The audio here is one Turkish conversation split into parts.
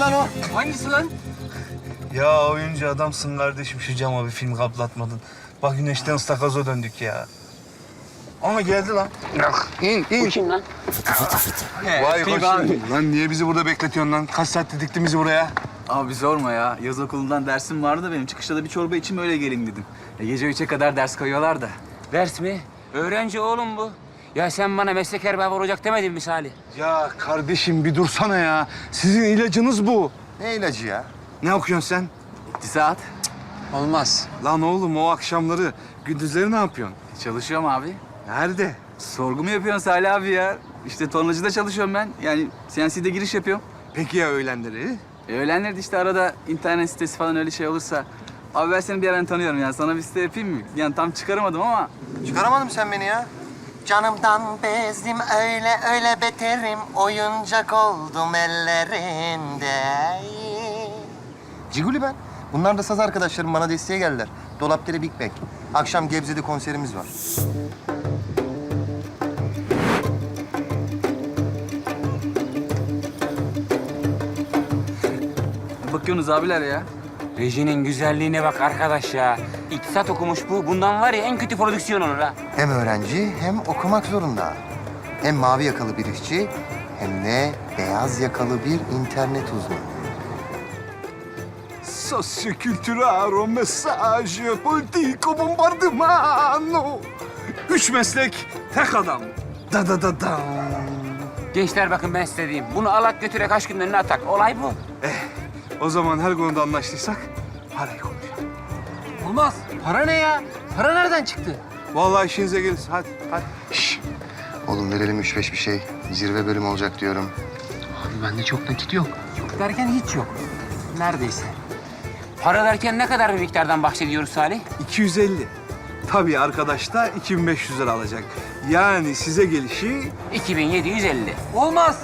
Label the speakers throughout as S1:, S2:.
S1: lan o?
S2: Hangisi lan?
S1: Ya oyuncu adamsın kardeşim, şu cama bir film kaplatmadın. Bak güneşten ıstakaza döndük ya. Ama geldi lan. İn.
S2: Bu kim lan?
S1: Vay hoş geldin. Lan niye bizi burada bekletiyorsun lan? Kaç saatte diktin bizi buraya?
S3: Abi sorma ya. Yaz okulundan dersim vardı da benim. Çıkışta da bir çorba içim öyle geleyim dedim. Gece 3'e kadar ders koyuyorlar da.
S2: Ders mi? Öğrenci oğlum bu. Ya sen bana meslek erbabı olacak demedin mi Salih?
S1: Ya kardeşim bir dursana ya. Sizin ilacınız bu.
S4: Ne ilacı ya?
S1: Ne okuyorsun sen?
S3: İktisat.
S1: Olmaz. Lan oğlum o akşamları, gündüzleri ne yapıyorsun?
S3: Çalışıyorum abi.
S1: Nerede?
S3: Sorgu mu yapıyorsun Salih abi ya? İşte tornacıda çalışıyorum ben. Yani CNC'de giriş yapıyorum.
S1: Peki ya öğlenleri?
S3: Öğlenleri de işte arada internet sitesi falan öyle şey olursa... Abi ben seni bir yerden tanıyorum ya. Sana bir site yapayım mı? Yani tam çıkaramadım ama...
S4: Çıkaramadın sen beni ya. Canımdan bezdim öyle beterim. Oyuncak oldum ellerinde. Ciguli ben. Bunlar da saz arkadaşlarım, bana desteğe geldiler. Dolapdere Big Bang. Akşam Gebze'de konserimiz var.
S3: Bakıyorsunuz abiler ya.
S2: Rejinin güzelliğine bak arkadaş ya. İktisat okumuş bu. Bundan var ya en kötü prodüksiyon olur ha.
S4: Hem öğrenci hem okumak zorunda. Hem mavi yakalı bir işçi hem de beyaz yakalı bir internet uzmanı.
S1: Sosyokültürel mesaj, politiko bombardımano. 3 meslek, tek adam. Da.
S2: Gençler bakın ben size diyeyim. Bunu alak götürek aşkın önüne atak. Olay bu.
S1: O zaman her konuda anlaştıysak parayı konuşalım.
S5: Olmaz. Para ne ya? Para nereden çıktı?
S1: Vallahi işinize gelir. Hadi.
S4: Şş. Oğlum verelim 3-5 bir şey. Zirve bölüm olacak diyorum.
S5: Abi bende çok nakit yok. Yok derken hiç yok. Neredeyse.
S2: Para derken ne kadar bir miktardan bahsediyoruz Salih?
S1: 250. Tabii arkadaş da 2500 lira alacak. Yani size gelişi...
S2: 2750.
S5: Olmaz.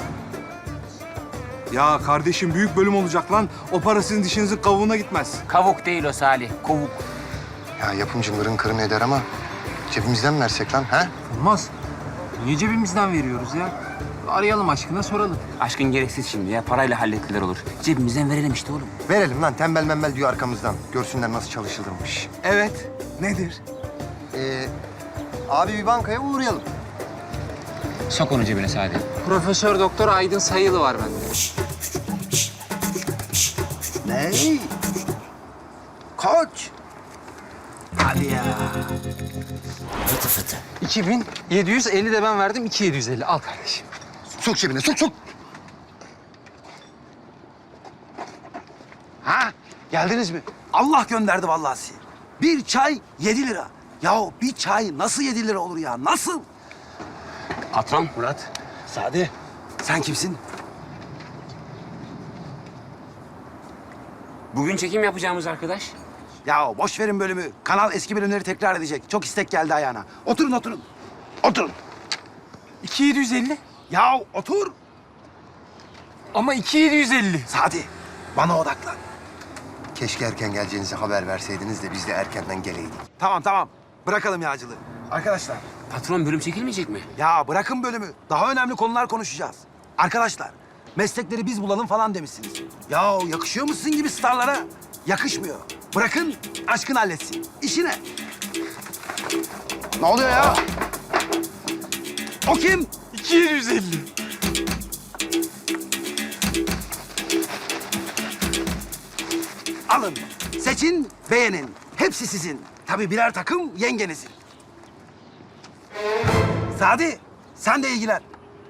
S1: Ya kardeşim büyük bölüm olacak lan. O para sizin dişinizin kavuğuna gitmez.
S2: Kavuk değil o Salih. Kovuk.
S4: Ya yapımcı mırın kırını eder ama cebimizden mi versek lan ha?
S5: Olmaz. Niye cebimizden veriyoruz ya? Arayalım aşkına soralım.
S2: Aşkın gereksiz şimdi ya. Parayla hallettiler olur. Cebimizden verelim işte oğlum.
S4: Verelim lan, tembel membel diyor arkamızdan. Görsünler nasıl çalışılırmış.
S1: Evet. Nedir?
S4: Abi bir bankaya uğrayalım.
S2: Sok onu cebine Salih.
S5: Profesör Doktor Aydın Sayılı var bende.
S4: Ne? Koç.
S5: Hadi ya. 2750 de ben verdim, 2750. Al kardeşim.
S4: Sok cebine, sok.
S6: Ha? Geldiniz mi? Allah gönderdi vallahi sizi. Bir çay 7 lira. Yahu bir çay nasıl 7 lira olur ya? Nasıl?
S2: Patron.
S6: Murat. Sadi. Sen kimsin?
S2: Bugün çekim yapacağımız arkadaş.
S6: Ya boş verin bölümü. Kanal eski bölümleri tekrar edecek. Çok istek geldi ayağına. Oturun. Oturun.
S5: 2750.
S6: Ya otur.
S5: Ama 2750.
S6: Sadi. Bana odaklan.
S4: Keşke erken geleceğinizi haber verseydiniz de biz de erkenden geleydik.
S6: Tamam. Bırakalım yağcılığı. Arkadaşlar.
S2: Patron bölüm çekilmeyecek mi?
S6: Ya bırakın bölümü. Daha önemli konular konuşacağız. Arkadaşlar, meslekleri biz bulalım falan demişsiniz. Ya yakışıyor mu sizin gibi starlara? Yakışmıyor. Bırakın aşkın halletsin. İşine. Ne oluyor ya? O kim?
S5: 2750.
S6: Alın. Seçin, beğenin. Hepsi sizin. Tabii birer takım yengenizin. Sadi, sen de ilgilen.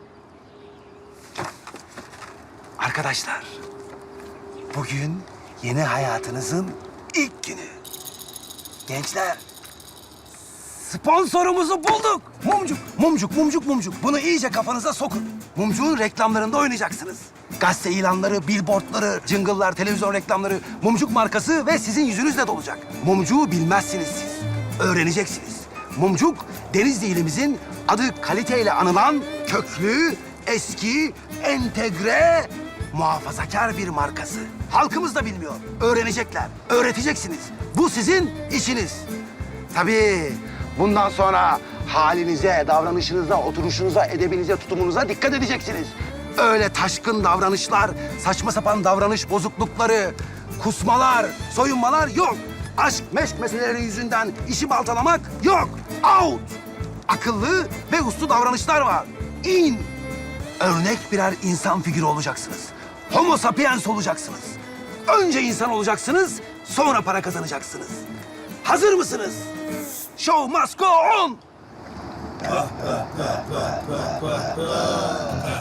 S6: Arkadaşlar, bugün yeni hayatınızın ilk günü. Gençler, sponsorumuzu bulduk. Mumcuk. Bunu iyice kafanıza sokun. Mumcuğun reklamlarında oynayacaksınız. Gazete ilanları, billboardları, jingle'lar, televizyon reklamları, Mumcuk markası ve sizin yüzünüzle dolacak. Mumcuğu bilmezsiniz siz. Öğreneceksiniz. Mumcuk, Denizli ilimizin adı kaliteyle anılan köklü, eski, entegre, muhafazakar bir markası. Halkımız da bilmiyor. Öğrenecekler, öğreteceksiniz. Bu sizin işiniz. Tabii bundan sonra halinize, davranışınıza, oturuşunuza, edebinize, tutumunuza dikkat edeceksiniz. Öyle taşkın davranışlar, saçma sapan davranış bozuklukları, kusmalar, soyunmalar yok. Aşk meşk meseleleri yüzünden işi baltalamak yok. Out! Akıllı ve uslu davranışlar var. İn! Örnek birer insan figürü olacaksınız. Homo sapiens olacaksınız. Önce insan olacaksınız, sonra para kazanacaksınız. Hazır mısınız? Show must go on!